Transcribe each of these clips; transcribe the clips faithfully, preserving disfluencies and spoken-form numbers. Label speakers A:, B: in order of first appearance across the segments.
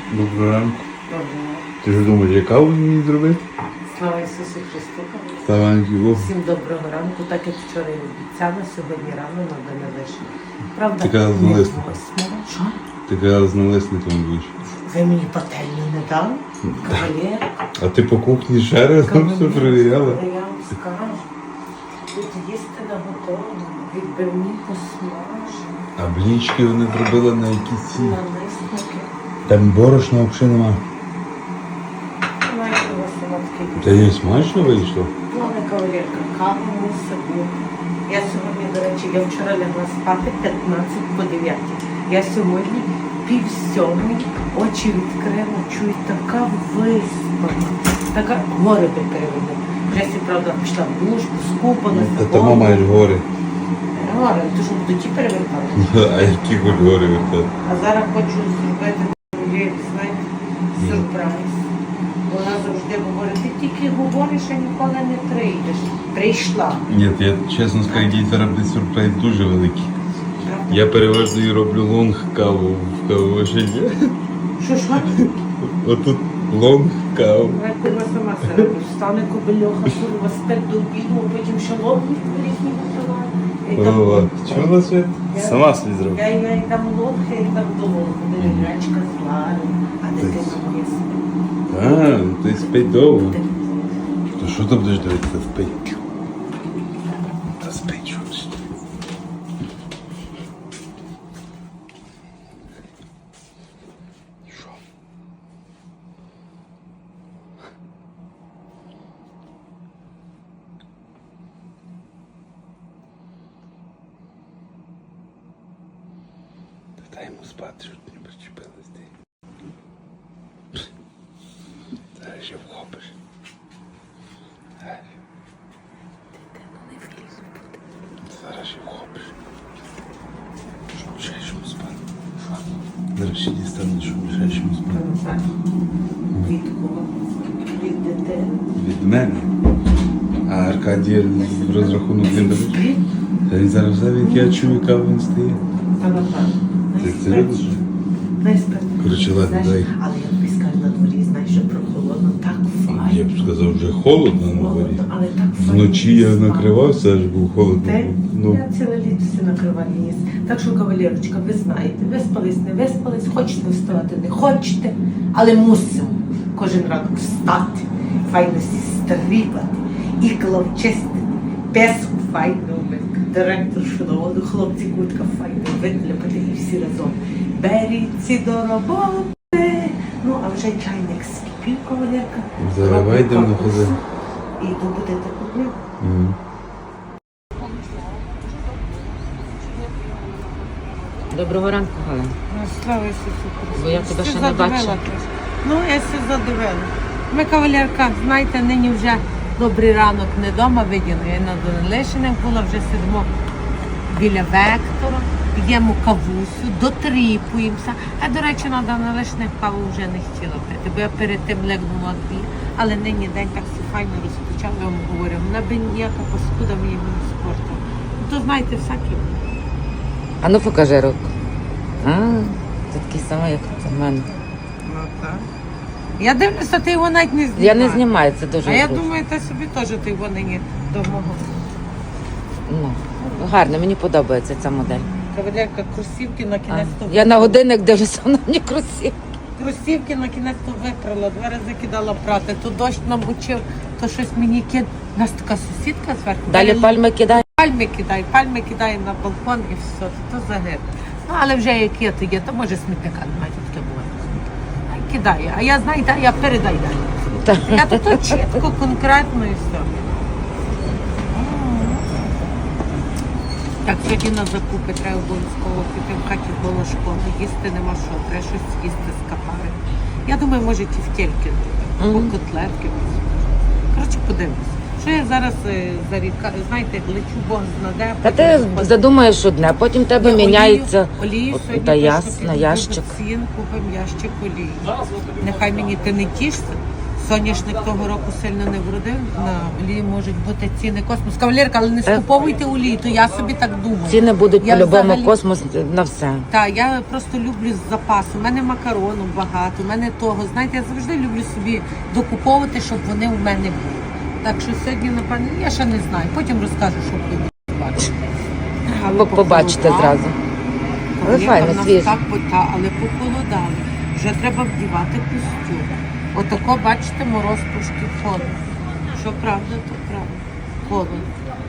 A: Доброго ранку.
B: Доброго.
A: Ти ж думаєш, яка мені зробити?
B: Слава Ісусу Христу!
A: Славанки Богу.
B: Всім доброго ранку, так як вчора і обіцяла, сьогодні рано на день вишні. Правда?
A: Ти казала з
B: не
A: налисником.
B: восьмого. Що?
A: Ти казала з налисником будеш.
B: Ви мені пательню не дали? Кавалер?
A: А ти по кухні ще раз там все перевіряла?
B: Та я вам скажу. Тут їсти наготовлено, відбивні посмажені,
A: А блічки вони зробили на якісь ці.
B: налисники.
A: Там борошна взагалі нема.
B: Знаєте, у вас солодкий.
A: Та їй смачно вийшло?
B: Плавна кавалерка, каву мусить бути. Я сьогодні, до речі, я вчора лягла спати п'ятнадцять по дев'ятій. Я сьогодні пів сьомій, очі відкрила, чую, така виспана, така гори би переведе. Вже сі, правда, пішла в душ, скупалася.
A: Та тому маєш гори.
B: Гори, то що буду ті перевертати.
A: А які хоч гори вертати?
B: А зараз хочу зробити, знаєте, сюрприз. Вона завжди говорить, ти тільки говориш, а ніколи не прийдеш. Прийшла.
A: Ні, я чесно скажу, дітей робить сюрприз дуже великий.
B: Правда?
A: Я переважно і роблю лонг каву в кавовишині.
B: Що, що?
A: Отут лонг каву.
B: Я курва сама себе роблю. Встане кобельоха, курва, спить до обіду, а потім ще лобні різні висилає.
A: Ова, чула світ?
B: Я-
A: Сама собі зробила.
B: Я, я і там лобка, і там долонку, де гречка зварю, а дитина моя спить.
A: А, ти спить довго. То що ти будеш дивитися? Спить. Та спить щось. Що? Та дай йому спати, щоб не причепилась ти. Зараз ще вхопиш. Зараз ще вхопиш. Щоб мішаєш йому спати. Зараз ще дістанеш, щоб мішаєш йому спати.
B: Від кого? Від дитини.
A: Від мене. А Аркадій розрахунок не даєш?
B: Спить?
A: Та він зараз взяв, як я чую, яка він стає.
B: Та напевно.
A: Ти це робиш?
B: Дай спати.
A: Коротше, ладно,
B: Знаєш,
A: дай.
B: але я тобі скажу, на дворі, знаєш, що прохолодно, так файно.
A: Я б сказав, вже холодно на дворі.
B: Холодно, але так файно.
A: Вночі я
B: спати.
A: накривався, аж був холодно.
B: Ти?
A: Ну,
B: Я ціле літо все накриваю ніс. Так що, кавалерочка, ви знаєте, виспались, не виспались, хочете вставати, не хочете, але мусимо кожен ранок встати, файно стрібати, ікла вчистити, песку файно вмити, директор шановну, хлопці куртка файно витляпати і всі разом. Беріться до роботи. Ну, а вже чайник скипів, кавалерка.
A: заливай
B: Робимо
A: дим на
B: каву.
A: хозяїн.
B: І то будете купити.
A: Мгм.
C: Доброго ранку, Галина.
B: Ну, слава Ісусу Христу.
C: Бо я тебе
B: Все
C: ще не
B: задивила
C: бачила.
B: трошки. Ну, я все задивила. Ми, кавалерка, знаєте, нині вже добрий ранок не вдома виділи. Я на Данилишинах була, вже сидимо біля Вектора, п'ємо кавусю, дотріпуємося. А, до речі, на Данилишинах каву вже не хотіла пити, бо я перед тим легнула дві. Але нині день так все файно розпочав, я вам говорю, вона би ніяка паскуда мені не спорту. Ну, то, знаєте, всякі.
C: А ну покажи руку. А, ти такий самий, як у мене.
B: Ну, так. Я дивлюся, ти його навіть не знімаєш.
C: Я не знімаю, це дуже
B: А я
C: зручно.
B: думаю, ти собі теж ти його нині до мого.
C: Ну, гарно, мені подобається ця модель.
B: Кавалерка, кросівки на
C: А,
B: кінець то
C: я на годинник дивлюся, вона мені красива.
B: кросівки на кінець то випрала, два рази кидала прати, то дощ намочив, то щось мені кид. У нас така сусідка зверху.
C: Далі
B: Далі
C: пальми кидай.
B: пальми кидає, пальми кидає на балкон і все, то, то загиб. Ну, але вже як є, то є, то може смітника немає, то таке буває. А кидає, а я знаю, я передай далі.
C: Та.
B: Я тут от чітко, конкретно і все. Так, сьогодні на закупи треба обов'язково піти в хаті було школи, їсти нема що, треба щось їсти з капари. Я думаю, може ті втільки, або
C: Мгм.
B: котлетки. Коротше, подивимось. Що я зараз е, заріка, знаєте, лечу Бог знаде.
C: Та
B: потім
C: ти
B: виходить.
C: задумаєш одне, потім в тебе
B: Олію-
C: міняється.
B: олію
C: От,
B: сьогодні
C: та
B: точно
C: ясно,
B: піду
C: ящик.
B: в цін, купимо ящик олії. Нехай мені ти не тішся, Соняшник того року сильно не вродив, на олії можуть бути ціни космос. Кавалерка, але не скуповуйте олії, то я собі так думаю.
C: Ціни будуть
B: Я
C: по-любому
B: взагалі-
C: космос на все.
B: Так, я просто люблю з запасу. У мене макарону багато, у мене того. Знаєте, я завжди люблю собі докуповувати, щоб вони у мене були. Так що сьогодні, напевно, я ще не знаю. Потім розкажу, що буду бачити.
C: Ви побачите зразу. Але
B: Є,
C: файно,
B: в нас
C: свіже.
B: Так, та, але похолодало. Вже треба вдівати костюм. Отако, бачите, мороз трошки холодно. Що правда, то правда. Холодно.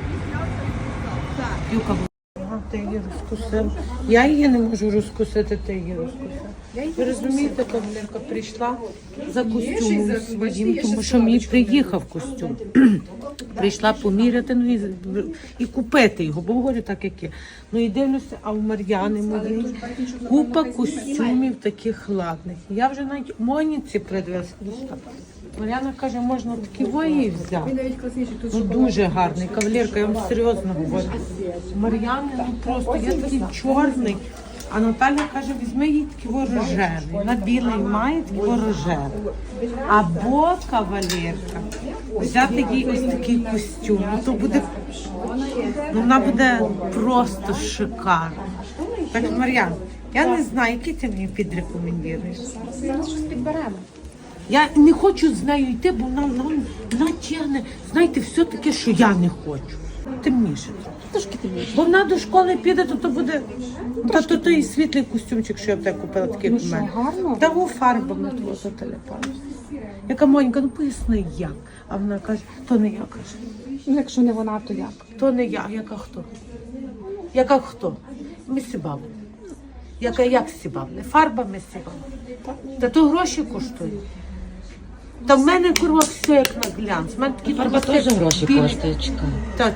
B: Юка, ага, ти її розкусив. Я її не можу розкусити, ти її розкусив. Ви розумієте, кавалерка прийшла за костюмом своїм, тому що мені приїхав костюм. Прийшла поміряти, ну і, і купити його, бо говорю так, як є. Ну і дивлюся, а у Мар'яни моєї купа костюмів таких ладних. Я вже навіть Моніці придивилася. Мар'яна каже, можна такі вої взяти. Ну дуже гарний. Кавалерка, я вам серйозно говорю. Мар'яни, ну просто, я такий чорний. А Наталя каже, візьми їй такий ворожевий. На білий має такий ворожевий. Або кавалерка взяти їй ось такий костюм. Ну, то буде, ну, вона буде просто шикарна. Так, Мар'яна, я не знаю, який ти мені підрекомендуєш.
D: Зараз щось підберемо.
B: Я не хочу з нею йти, бо вона, вона, вона тягне, знаєте, все таке, що я не хочу. Темніше.
D: Трошки темніше.
B: Бо вона до школи піде, то то буде та то той світлий костюмчик, що я в тебе купила, такий
D: Ну
B: в мене.
D: що, гарно?
B: Та во фарбами твого телепану. Яка Монька, ну поясни як. А вона каже, то не я, каже.
D: Ну, якщо не вона, то як?
B: То не я, яка хто? Яка хто? Ми сібавни. Яка як сібавни? Фарбами сібавни. Та то гроші коштують. Та в мене, курва, все як на глянц. В мене такі
C: Фарба
B: трусики
C: теж гроші
B: білі.
C: коштує, чекай.
B: Та,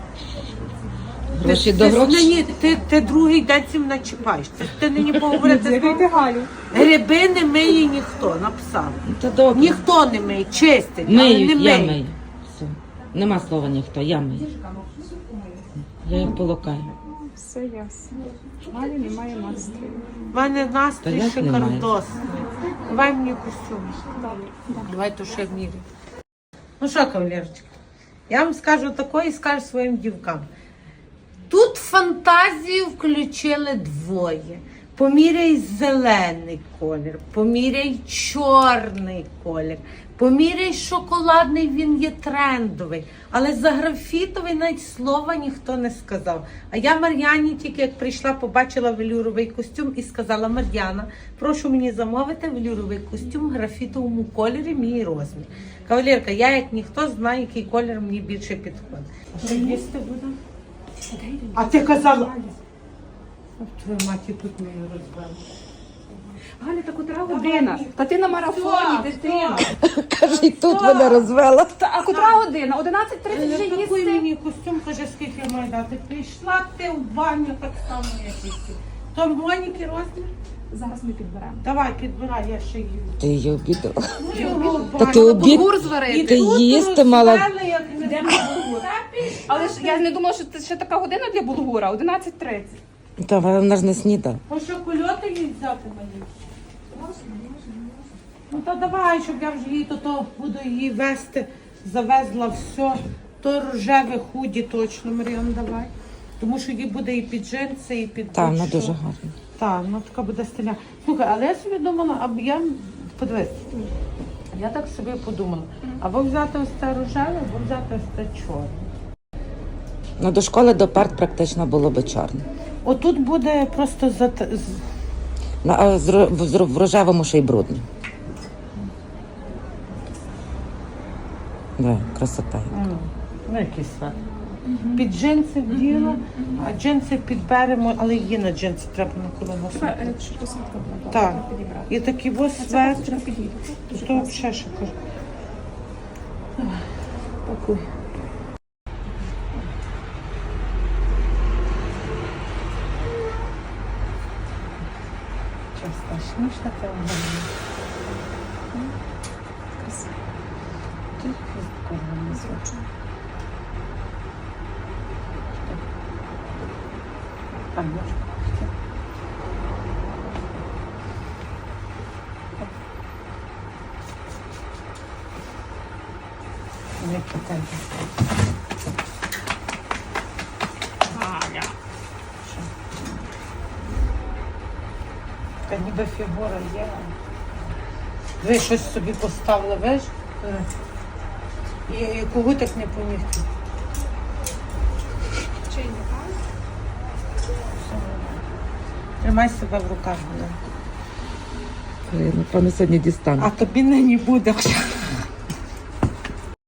C: Гроші
B: ти,
C: до
B: ти,
C: грошей.
B: Ні, ти, ти другий день цим начіпаєш. Ти, ти нині поговорити з
D: Галю.
B: Гриби не миє ніхто, написав.
C: Ну, то добре.
B: Ніхто не миє, чистить, але
C: Миють,
B: не
C: я
B: миє.
C: мию. Все. Нема слова ніхто, я мию. Я їх полокаю.
D: Все ясно. Галі немає настрою.
B: У мене
C: Та
B: настрій
C: як немає?
B: шикардосний. Давай мені костюм. Давай то ще міряй. Ну що, кавалерочка, я вам скажу такое і скажу своїм дівкам. Тут фантазію включили двоє. Поміряй зелений колір, поміряй чорний колір, поміряй шоколадний, він є трендовий. Але за графітовий навіть слова ніхто не сказав. А я Мар'яні тільки як прийшла, побачила велюровий костюм і сказала: Мар'яна, прошу мені замовити велюровий костюм в графітовому кольорі, мій розмір. Кавалерка, я як ніхто знаю, який колір мені більше підходить. А що їсти буду? А ти казала... Твою маті тут мені розбили.
D: Галя, та котра година? Та ти на марафоні, дитина.
C: Каже, і тут мене розвела.
D: Та, а котра година? одинадцять тридцять вже
B: Такий
D: їсти.
B: мені костюм, каже, скільки я маю дати. Прийшла ти в баню так само, як і ти. То Моніки розмір?
D: Зараз ми підберемо.
B: Давай, підбирай, я ще їм.
C: Ти її обідала.
B: Його
C: Та ти обід...
D: Булгур зварити.
C: Ти їсти мала.
D: Але ж я не думала, що це ще така година для булгура. одинадцять тридцять.
C: Та вона ж не сніда.
B: А що, кульоти їй взяти мені? Ну то давай, щоб я вже її, то, то буду її вести, завезла все. То рожеве худі точно, Мар'ян, давай. Тому що їй буде і під джинси, і під...
C: Та, вона
B: будь-що.
C: дуже гарна.
B: Так, ну така буде стиля. Слухай, але я собі думала, або я подивись, я так собі подумала, або взяти ось те рожеве, або взяти ось те чорне.
C: Ну, до школи до парт практично було би чорне.
B: Отут буде просто за з-
C: Ну, а з ро- в, з- в рожевому ще й брудно. Да, красота.
B: ну, ну якийсь свет. Під джинси вділа, а джинси підберемо, але її на джинси треба на коліно.
D: Якщо посадка була,
B: Так.
D: підібрати.
B: І такий ось свет.
D: Вчора підійде.
B: То взагалі ще кажу. Пакуй. Часто смішно це виглядає.
D: Красиво.
B: Тільки корона звучить. Так, можна. Не покажу. Що? Та ніби фігура є. Ви щось собі поставили, виш? І, і когутик не помітив. Тримай себе в руках, Галина.
C: Я, напевно, сьогодні дістану.
B: А тобі нині буде.